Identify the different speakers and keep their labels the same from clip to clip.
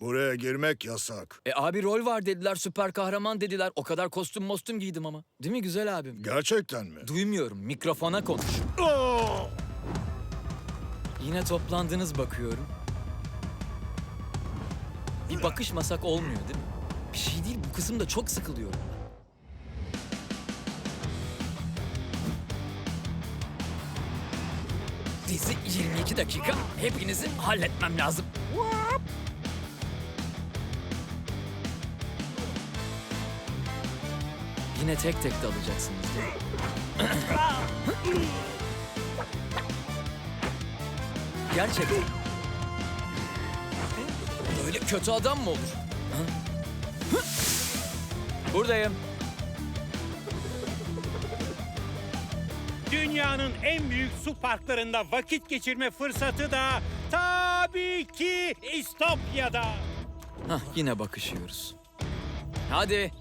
Speaker 1: Buraya girmek yasak.
Speaker 2: Abi rol var dediler, süper kahraman dediler. O kadar kostüm mostüm giydim ama. Değil mi güzel abim?
Speaker 1: Gerçekten mi?
Speaker 2: Duymuyorum, mikrofona konuş.
Speaker 1: Aa!
Speaker 2: Yine toplandınız bakıyorum. Bir bakışmasak olmuyor değil mi? Bir şey değil, bu kızım da çok sıkılıyorum. Dizi 22 dakika, hepinizi halletmem lazım. Yine tek tek dalacaksınız değil mi? Gerçekten. Böyle kötü adam mı olur? Ha? Buradayım.
Speaker 3: Dünyanın en büyük su parklarında vakit geçirme fırsatı da tabii ki İstopya'da.
Speaker 2: Hah, yine bakışıyoruz. Hadi.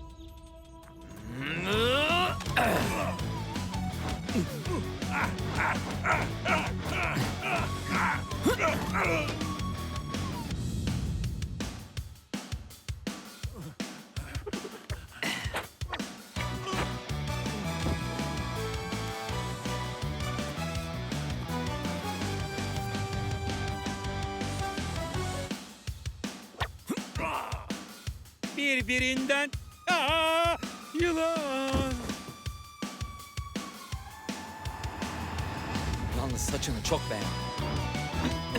Speaker 3: Birbirinden yılan.
Speaker 2: Yalnız saçını çok beğendim.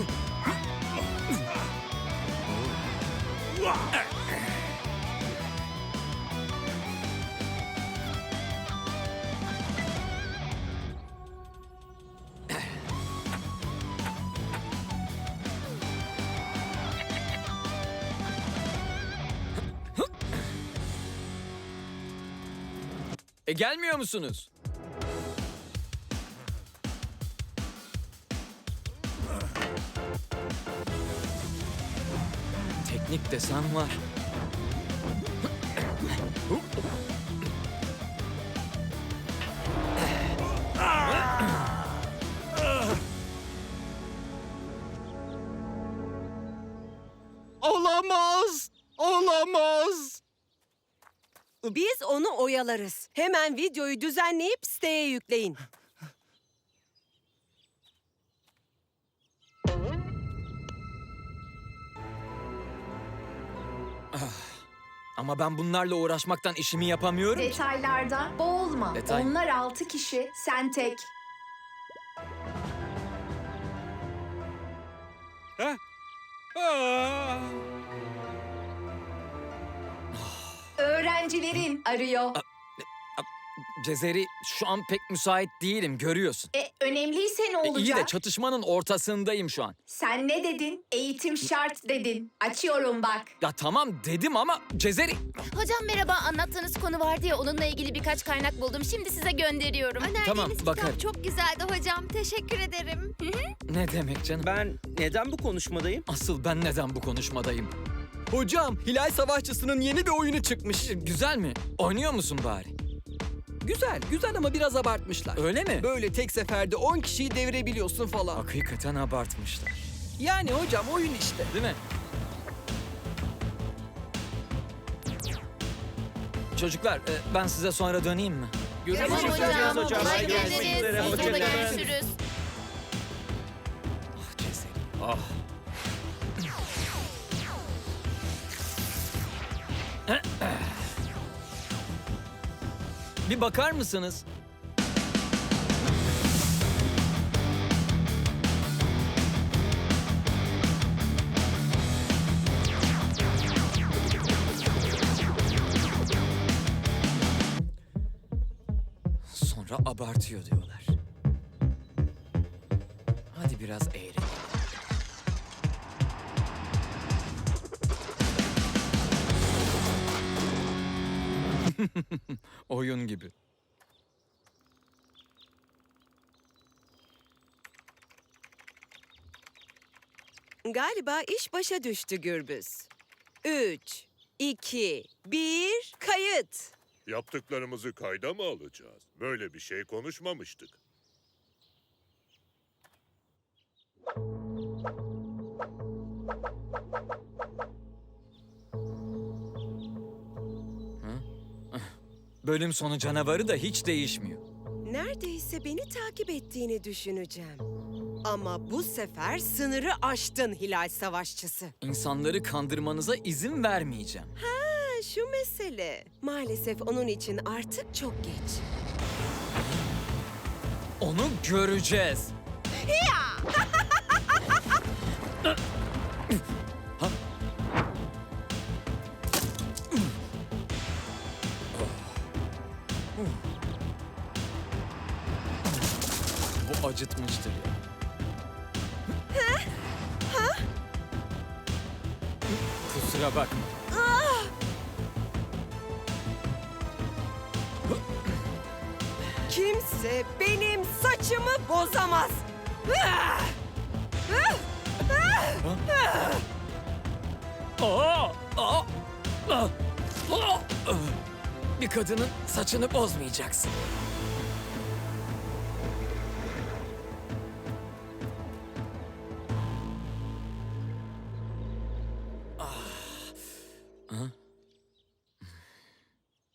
Speaker 2: Gelmiyor musunuz? Teknik desen var.
Speaker 4: Olamaz! Olamaz!
Speaker 5: Biz onu oyalarız. Hemen videoyu düzenleyip siteye yükleyin.
Speaker 2: Ama ben bunlarla uğraşmaktan işimi yapamıyorum ki.
Speaker 6: Detaylarda boğulma.
Speaker 2: Detay.
Speaker 6: Onlar 6 kişi, sen tek.
Speaker 3: Ha? Aa!
Speaker 6: Öğrencilerin arıyor.
Speaker 2: Cezeri, şu an pek müsait değilim, görüyorsun.
Speaker 6: Önemliyse ne olacak?
Speaker 2: İyi de çatışmanın ortasındayım şu an.
Speaker 6: Sen ne dedin? Eğitim şart dedin. Açıyorum bak.
Speaker 2: Ya tamam dedim ama Cezeri...
Speaker 7: Hocam merhaba, anlattığınız konu vardı ya, onunla ilgili birkaç kaynak buldum. Şimdi size gönderiyorum.
Speaker 2: Tamam, bakarım.
Speaker 7: Çok güzeldi hocam, teşekkür ederim.
Speaker 2: Ne demek canım?
Speaker 4: Ben neden bu konuşmadayım?
Speaker 2: Asıl ben neden bu konuşmadayım?
Speaker 4: Hocam, Hilal Savaşçısı'nın yeni bir oyunu çıkmış.
Speaker 2: Güzel mi? Oynuyor musun bari?
Speaker 4: Güzel ama biraz abartmışlar.
Speaker 2: Öyle mi?
Speaker 4: Böyle tek seferde 10 kişiyi devirebiliyorsun falan.
Speaker 2: Hakikaten abartmışlar.
Speaker 4: Yani hocam oyun işte.
Speaker 2: Değil mi? Çocuklar, ben size sonra döneyim mi?
Speaker 7: Tamam hocam,
Speaker 4: hocam.
Speaker 7: kolay
Speaker 4: Hadi görüşmek
Speaker 7: gelsin.
Speaker 4: üzere,
Speaker 7: Sonra
Speaker 4: hoşça kalın.
Speaker 7: görüşürüz.
Speaker 2: Ah Cezeri, ah. Bir bakar mısınız? Sonra abartıyor diyorlar. Hadi biraz eğlenelim. Oyun gibi.
Speaker 5: Galiba iş başa düştü Gürbüz. 3, 2, 1, kayıt.
Speaker 8: Yaptıklarımızı kayda mı alacağız? Böyle bir şey konuşmamıştık.
Speaker 2: Bölüm sonu canavarı da hiç değişmiyor.
Speaker 5: Neredeyse beni takip ettiğini düşüneceğim. Ama bu sefer sınırı aştın Hilal Savaşçısı.
Speaker 2: İnsanları kandırmanıza izin vermeyeceğim.
Speaker 5: Ha, şu mesele. Maalesef onun için artık çok geç.
Speaker 2: Onu göreceğiz. Bu acıtmıştır ya. Kusura bakma.
Speaker 5: Kimse benim saçımı bozamaz.
Speaker 2: Bir kadının saçını bozmayacaksın. Ah.